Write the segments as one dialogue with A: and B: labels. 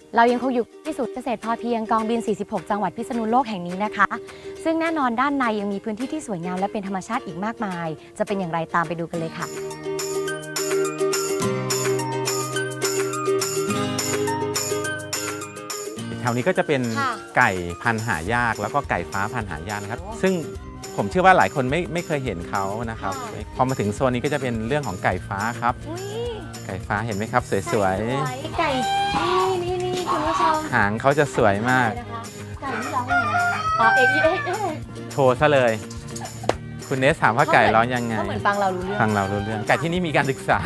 A: เรายังคงอยู่ที่ศูนย์เกษตรพอเพียงกองบิน 46 จังหวัดพิษณุโลกแห่งนี้นะคะ ซึ่งแน่นอนด้านในยังมีพื้นที่ที่สวยงามและเป็นธรรมชาติอีกมากมาย จะเป็นอย่างไรตามไปดูกันเลยค่ะ
B: แถวนี้ก็จะเป็นไก่พันธุ์หายากแล้วก็ไก่ฟ้าพันธุ์หายากนะครับซึ่งผมเชื่อว่าหลายคนไม่เคยเห็นเขานะครับพอมาถึงโซนนี้ก็จะเป็นเรื่องของไก่ฟ้าครับไก่ฟ้าเห็นไหมครับสวย
A: ๆไก่นี่คุณผู้ชม
B: หางเขาจะสวยมาก
A: ไก่ที่ร้องยังไงนะอ๋อเอก
B: โชว์ซะเลยคุณเนสถามว่าไก่ร้องยังไง
A: ก็เหมือนฟังเรารู้เรื่อง
B: ไก่ที่นี่มีการศึกษา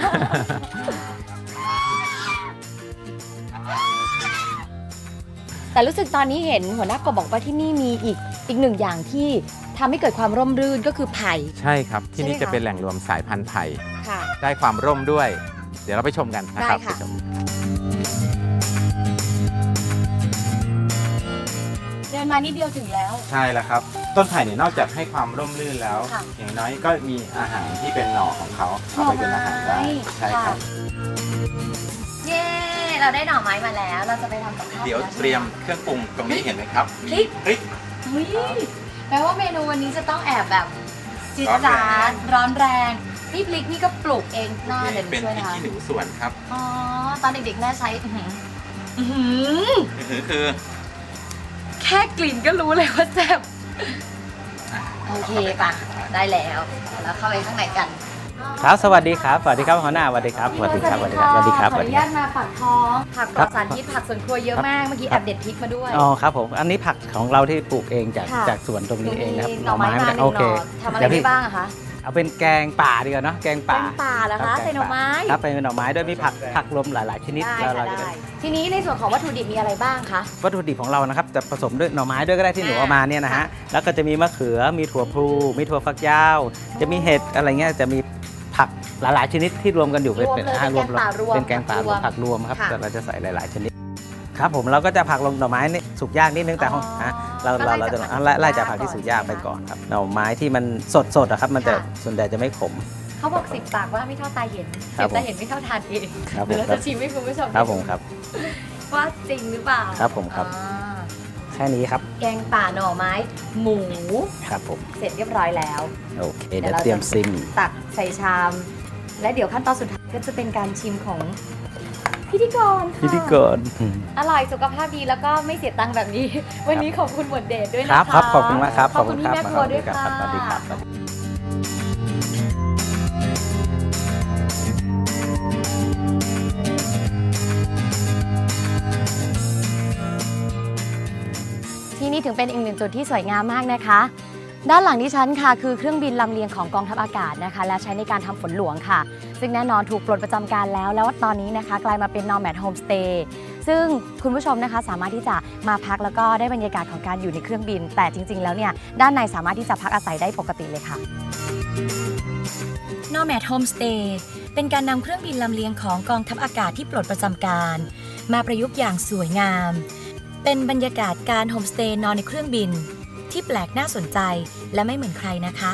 A: แต่รู้สึกตอนนี้เห็นหัวหน้ากบบอกว่าที่นี่มีอีกหนึ่งอย่างที่ทำให้เกิดความร่มรื่นก็คือไผ่
B: ใช่ครับที่นี่จะเป็นแหล่งรวมสายพันธุ์ไผ่
A: ค่ะ
B: ได้ความร่มด้วยเดี๋ยวเราไปชมกันนะครับ
A: ไปชมเดินมานิดเดียวถึงแล้ว
B: ใช่แล้วครับต้นไผ่เนี่ยนอกจากให้ความร่มรื่นแล้วอย่างน้อยก็มีอาหารที่เป็นหน่อของเขาเอาไปเป็นอาหารได้ใช่ครับ
A: เย้เราได้หน่อไม้มาแล้วเราจะไปทำกับข้าว
B: เดี๋ยวเตรียมเครื่องปรุงตรงนี้เห็นไหมครับ
A: พริกแปลว่าเมนูวันนี้จะต้องแอบแบบจี๊ดจ๊าดร้อนแรงนี่พริกนี่ก็ปลูกเองหน้าเดี๋ยวช่วยนะคะ
B: เป็นพริกขี้หนูสวนครับ
A: อ๋อตอนเด็กๆแม่ใช้
B: คือ
A: แค่กลิ่นก็รู้เลยว่าแซ่บโอเคป่ะได้แล้วเข้าไปข้างในกัน
C: ครับสวัสดีครับสวัสดีครับหัวหน้าสวัสดีครับสวัสดีครับสวัสดีครับสวัสดีครับ
A: ขออนุญาตมาปักท้องผักปลอดสารพิษผักสวนครัวเยอะมากเมื่อกี้แอบเด็ดพริกมาด้วย
C: อ๋อครับผมอันนี้ผักของเราที่ปลูกเองจากสวนตรงนี้เองนะครับ
A: หน่อไม้มาโอเคทำอะไรได้บ้างอะคะ
C: เอาเป็นแกงป่าดีกว่าเนาะแกงป่า
A: เหรอคะใส่หน่อไม้
C: ครับเป็นหน่อไม้ด้วยมีผักรวมหลายๆชนิด
A: แล้วเราจะทีนี้ในส่วนของวัตถุดิบมีอะไรบ้างคะ
C: วัตถุดิบของเรานะครับจะผสมด้วยหน่อไม้ด้วยก็ได้ที่หนูเอามาเนี่ยนะฮะแล้วก็จะมีมะเขือมีถั่วพลูมีถั่วฝักยาวจะมีเห็ดอะไรเงี้ยจะมีผักหลายๆชนิดที่รวมกันอยู่เป็นแกงป่ารวมผักรวมครับแต่เราจะใส่หลายๆชนิดครับผมเราก็จะผักลงหน่อไม้นี่สุกยากนิดนึงแต่เราจะไล่จากผักที่สุกยากไปก่อนครับหน่อไม้ที่มันสดครับมันจะส่วนใหญ่จะไม่ขม
A: เขาบอก10 ปากว่าไม่เท่าตาเห็น10 ตาเห็นไม่เท่าทานเองเดี๋ยวเราจะชิมให้คุณผู้ชม
C: ครับผมครับ
A: ว่าจริงหรือเปล่า
C: ครับผมครับแค่นี้ครับ
A: แกงป่าหน่อไม้หมู
C: ครับผม
A: เสร็จเรียบร้อยแล้ว
C: โอเคเดี๋ยวเตรียมซิม
A: ตักใส่ชามและเดี๋ยวขั้นตอนสุดท้ายก็จะเป็นการชิมของพิธีกรอร่อยสุขภาพดีแล้วก็ไม่เสียตังค์แบบนี้วันนี้ขอบคุณหมวดเดชด้วยนะคะ
C: ครับขอบคุณมากครับ
A: ขอบคุณพี่แม่ครัวด้วยค่ะ
C: สวัสดีครับ
A: ที่นี่ถึงเป็นอีกหนึ่งจุดที่สวยงามมากนะคะด้านหลังดิฉันค่ะคือเครื่องบินลำเลียงของกองทัพอากาศนะคะและใช้ในการทำฝนหลวงค่ะซึ่งแน่นอนถูกปลดประจำการแล้วตอนนี้นะคะกลายมาเป็น Nomad Homestay ซึ่งคุณผู้ชมนะคะสามารถที่จะมาพักแล้วก็ได้บรรยากาศของการอยู่ในเครื่องบินแต่จริงๆแล้วเนี่ยด้านในสามารถที่จะพักอาศัยได้ปกติเลยค่ะ Nomad Homestay เป็นการนำเครื่องบินลำเลียงของกองทัพอากาศที่ปลดประจำการมาประยุกต์อย่างสวยงามเป็นบรรยากาศการโฮมสเตย์นอนในเครื่องบินที่แปลกน่าสนใจและไม่เหมือนใครนะคะ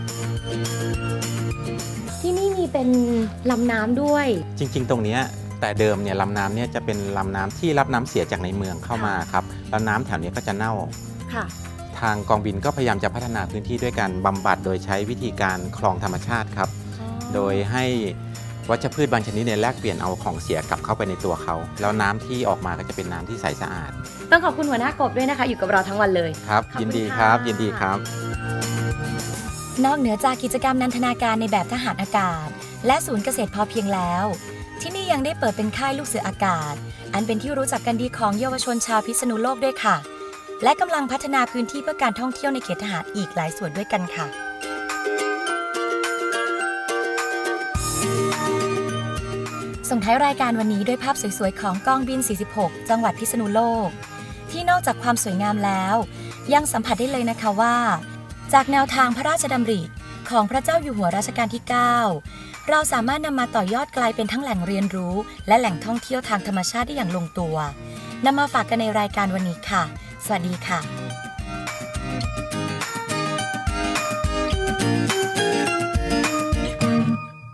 A: ที่นี่มีเป็นลำน้ำด้วย
B: จริงๆตรงนี้แต่เดิมเนี่ยลำน้ำเนี่ยจะเป็นลำน้ำที่รับน้ำเสียจากในเมืองเข้ามาครับแล้วน้ำแถวนี้ก็จะเน่าทางกองบินก็พยายามจะพัฒนาพื้นที่ด้วยการบำบัดโดยใช้วิธีการคลองธรรมชาติครับโดยให้วัชพืชบางชนิดเนี่ยแลกเปลี่ยนเอาของเสียกลับเข้าไปในตัวเขาแล้วน้ำที่ออกมาก็จะเป็นน้ำที่ใสสะอาด
A: ต้องขอบคุณหัวหน้ากบด้วยนะคะอยู่กับเราทั้งวันเลย
B: ครับยินดีครับยินดีครับ
A: นอกเหนือจากกิจกรรมนันทนาการในแบบทหารอากาศและศูนย์เกษตรพอเพียงแล้วที่นี่ยังได้เปิดเป็นค่ายลูกเสืออากาศอันเป็นที่รู้จักกันดีของเยาวชนชาวพิษณุโลกด้วยค่ะและกำลังพัฒนาพื้นที่เพื่อการท่องเที่ยวในเขตทหารอีกหลายส่วนด้วยกันค่ะส่งท้ายรายการวันนี้ด้วยภาพสวยๆของกองบิน 46 จังหวัดพิษณุโลกที่นอกจากความสวยงามแล้วยังสัมผัสได้เลยนะคะว่าจากแนวทางพระราชดำริของพระเจ้าอยู่หัวรัชกาลที่ 9 เราสามารถนำมาต่อยอดกลายเป็นทั้งแหล่งเรียนรู้และแหล่งท่องเที่ยวทางธรรมชาติได้อย่างลงตัวนำมาฝากกันในรายการวันนี้ค่ะสวัสดีค่ะ